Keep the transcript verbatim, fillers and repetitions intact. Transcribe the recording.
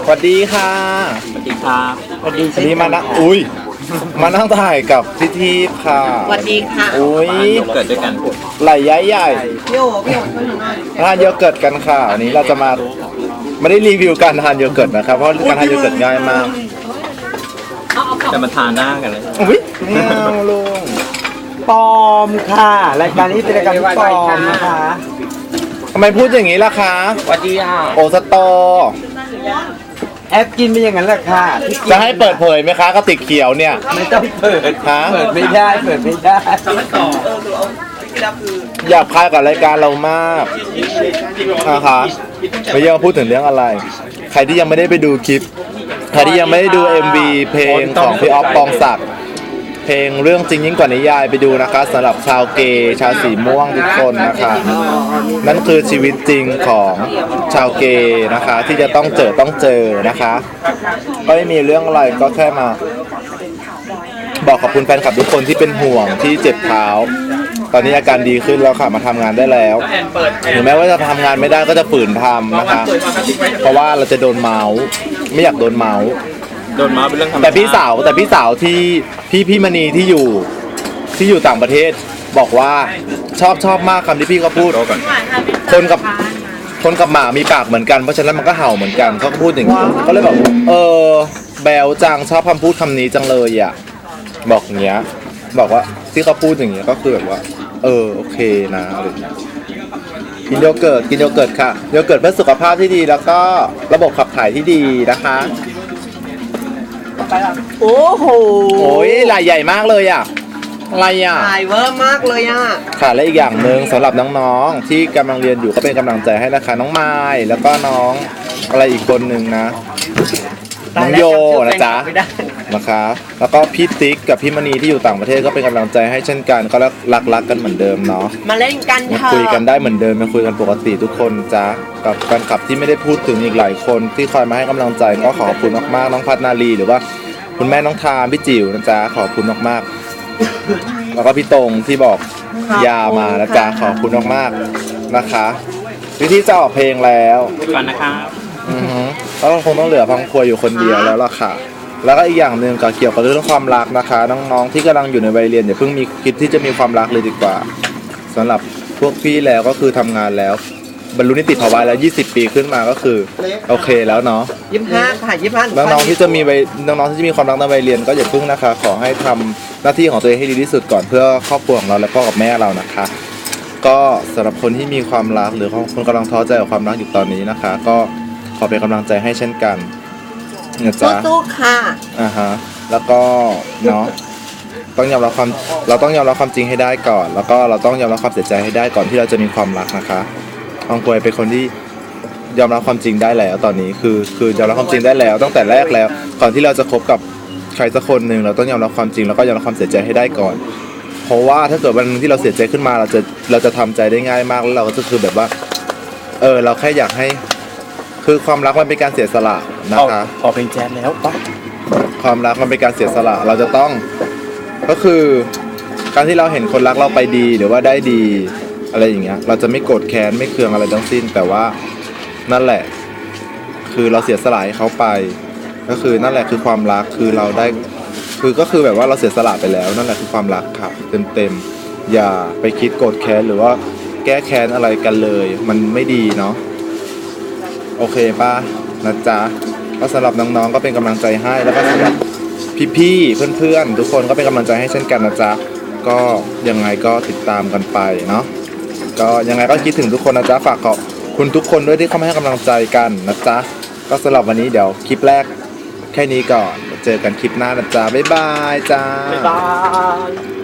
สวัสดีค่ะสวัสดีครับสวัสดีวันนี้มานะอุ้ยมานั่งถ่ายกับพี่ทีพค่ะสวัสดีค่ะอุ้ยเกิดด้วยกันไหลใหญ่ใหญ่พี่โอพี่โอช่วยหนูหน่อยทานโยเกิร์ตกันค่ะวันนี้เราจะมาไม่ได้รีวิวการทานโยเกิร์ตนะครับเพราะการทานโยเกิร์ตง่ายมากจะมาทานหน้ากันเลยอุ้ยไม่เอาลุงปลอมค่ะรายการนี้เป็นรายการที่ปลอมนะคะทำไมพูดอย่างนี้ล่ะคะสวัสดีค่ะโอสตอแอปกินเป็นอย่างนั้นแหละค่ะจะให้เปิดเผยไหมคะกระติกเขียวเนี่ยไม่ต้องเปิดฮะเปิดไม่ได้เปิดไม่ได้อยากพายกับรายการเรามากนะคะไม่ยอมพูดถึงเรื่องอะไรใครที่ยังไม่ได้ไปดูคลิปใครที่ยังไม่ได้ดู เอ็ม วี เพลงของพี่ออฟปองศักดิ์เพลงเรื่องจริงยิ่งกว่านิยายไปดูนะคะสำหรับชาวเกย์ชาวสีม่วงทุกคนนะคะนั่นคือชีวิตจริงของชาวเกย์นะคะที่จะต้องเจอต้องเจอนะคะก็ไม่มีเรื่องอะไรก็แค่มาบอกขอบคุณแฟนคลับทุกคนที่เป็นห่วงที่เจ็บเท้าตอนนี้อาการดีขึ้นแล้วค่ะมาทำงานได้แล้วถึงแม้ว่าจะทำงานไม่ได้ก็จะฝืนทำนะคะเพราะว่าเราจะโดนเมาส์ไม่อยากโดนเมาส์โดนมาเป็นเรื่องธรรมดาแต่พี่สาวแต่พี่สาวที่พี่พี่มณีที่อยู่ที่อยู่ต่างประเทศบอกว่าชอบชอบมากคำที่พี่เขาพูดคนกับคนกับหมามีปากเหมือนกันเพราะฉะนั้นมันก็เห่าเหมือนกันเขาก็พูดอย่างนี้ก็เลยบอกเออแบลจังชอบคำพูดคำนี้จังเลยอ่ะบอกอย่างเงี้ยบอกว่าที่เขาพูดอย่างเงี้ยก็คือแบบว่าเออโอเคนะอะไรอย่างเงี้ยกินโยเกิร์ตกินโยเกิร์ตค่ะโยเกิร์ตเพื่อสุขภาพที่ดีแล้วก็ระบบขับถ่ายที่ดีนะคะโอ้โหโอ้ยลายใหญ่มากเลยอ่ะอะไรอ่ะลายเวอร์มากเลยอ่ะค่ะและอีกอย่างหนึ่งสำหรับน้องๆที่กำลังเรียนอยู่ก็เป็นกำลังใจให้นะคะน้องไม้แล้วก็น้องอะไรอีกคนหนึ่งนะน้องโยนะจ๊ะนะคะแล้วก็พี่ติ๊กกับพี่มณีที่อยู่ต่างประเทศก็เป็นกำลังใจให้เช่นกันก็รักรักกันเหมือนเดิมเนาะมาเล่นกันเถอะคุยกันได้เหมือนเดิมมาคุยกันปกติทุกคนจ้ะกับแฟนคลับที่ไม่ได้พูดถึงอีกหลายคนที่คอยมาให้กำลังใจก็ขอบคุณมากๆน้องพัฒนาลีหรือว่าคุณแม่น้องทามพี่จิ๋วนะจ๊ะขอบคุณมากๆแล้วก็พี่ตรงที่บอกยามานะจ๊ะขอบคุณมากๆนะคะวิธีจะออกเพลงแล้วก่อนนะครับอือฮึแล้วคงต้องเหลือพังครัวอยู่คนเดียวแล้วล่ะค่ะแล้วก็อีกอย่างหนึ่งก็เกี่ยวกับเรื่องความรักนะคะน้องๆที่กำลังอยู่ในวัยเรียนอย่าเพิ่งมีคิดที่จะมีความรักเลยดีกว่าสำหรับพวกพี่แล้วก็คือทำงานแล้วบรรลุนิติภาวะแล้วยี่สิบปีขึ้นมาก็คือโอเคแล้วเนาะยี่สิบห้าค่ะยี่สิบห้าน้องๆที่จะมีวัยน้องๆที่จะมีความรักในวัยเรียนก็อย่าพึ่งนะคะขอให้ทำหน้าที่ของตัวเองให้ดีที่สุดก่อนเพื่อครอบครัวของเราและพ่อกับแม่เรานะคะก็สำหรับคนที่มีความรักหรือคนกำลังท้อใจกับความรักอยู่ตอนนี้นะคะก็ขอเป็นกำลังใจให้เช่นกันนะจ๊ะสู้ๆค่ะอ่าฮะแล้วก็เนาะต้องยอมรับความเราต้องยอมรับความจริงให้ได้ก่อนแล้วก็เราต้องยอมรับความเสียใจให้ได้ก่อนที่เราจะมีความรักนะคะอองควยเป็นคนที่ยอมรับความจริงได้แล้วตอนนี้คือคือยอมรับความจริงได้แล้วตั้งแต่แรกแล้วก่อนที่เราจะคบกับใครสักคนหนึ่งเราต้องยอมรับความจริงแล้วก็ยอมรับความเสียใจให้ได้ก่อนเพราะว่าถ้าเกิดวันนึงที่เราเสียใจขึ้นมาเราจะเราจะทำใจได้ง่ายมากแล้วเราก็จะคือแบบว่าเออเราแค่อยากให้คือความรักมันเป็นการเสียสละนะคะขอเพลงแจ๊สแล้วปะความรักมันเป็นการเสียสละเราจะต้องก็คือการที่เราเห็นคนรักเราไปดีหรือว่าได้ดีอะไรอย่างเงี้ยเราจะไม่โกรธแค้นไม่เคืองอะไรทั้งสิ้นแต่ว่านั่นแหละคือเราเสียสละให้เขาไปก็คือนั่นแหละคือความรักคือเราได้คือก็คือแบบว่าเราเสียสละไปแล้วนั่นแหละคือความรักค่ะเต็มๆอย่าไปคิดโกรธแค้นหรือว่าแก้แค้นอะไรกันเลยมันไม่ดีเนาะโอเคป่ะนะจ๊ะก็สำหรับน้องๆก็เป็นกำลังใจให้แล้วก็สำหรับพี่ๆเพื่อนๆทุกคนก็เป็นกำลังใจให้เช่นกันนะจ๊ะก็ยังไงก็ติดตามกันไปเนาะก็ยังไงก็คิดถึงทุกคนนะจ๊ะฝากขอบคุณทุกคนด้วยที่เข้ามาให้กำลังใจกันนะจ๊ะก็สำหรับวันนี้เดี๋ยวคลิปแรกแค่นี้ก่อนเจอกันคลิปหน้านะจ๊ะบ๊ายบายจ้าบ๊ายบาย